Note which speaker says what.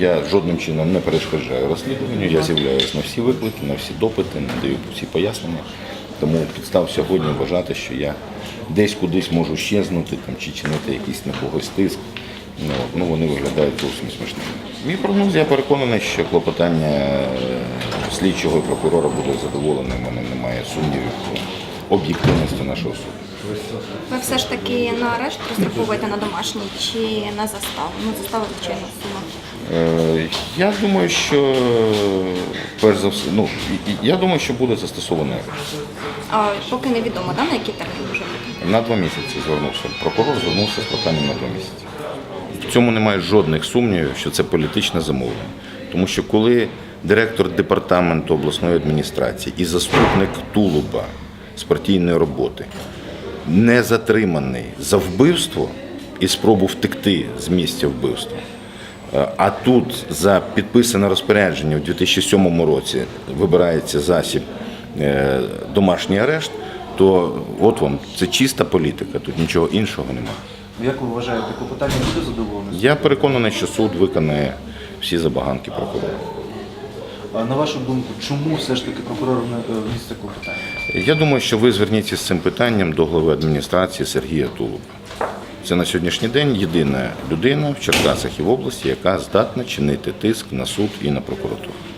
Speaker 1: Я жодним чином не перешкоджаю розслідуванню, я з'являюся на всі виклики, на всі допити, надаю всі пояснення. Тому підстав сьогодні вважати, що я десь кудись можу щезнути там, чи чинити якийсь на когось тиск. Ну, вони виглядають зовсім смішними. Мій прогноз, я переконаний, що клопотання слідчого і прокурора буде задоволене. У мене немає сумнівів у об'єктивності нашого суду.
Speaker 2: Ви все ж таки на арешт розраховуєте на домашній чи на заставу? Ну, застава, звичайно, сума.
Speaker 1: Я думаю, що перш за все, я думаю, що буде застосований арешт.
Speaker 2: А поки невідомо, на який термін може бути?
Speaker 1: На 2 місяці звернувся. Прокурор звернувся з проханням на 2 місяці. В цьому немає жодних сумнівів, що це політичне замовлення. Тому що коли директор департаменту обласної адміністрації і заступник Тулуба з партійної роботи не затриманий за вбивство і спробу втекти з місця вбивства, а тут за підписане розпорядження у 2007 році вибирається засіб домашній арешт, то от вам, це чиста політика, тут нічого іншого немає.
Speaker 3: Як ви вважаєте, клопотання буде задоволене?
Speaker 1: Я переконаний, що суд виконає всі забаганки прокурора.
Speaker 3: А на вашу думку, чому все ж таки прокурор вніс це клопотання?
Speaker 1: Я думаю, що ви зверніться з цим питанням до глави адміністрації Сергія Тулуба. Це на сьогоднішній день єдина людина в Черкасах і в області, яка здатна чинити тиск на суд і на прокуратуру.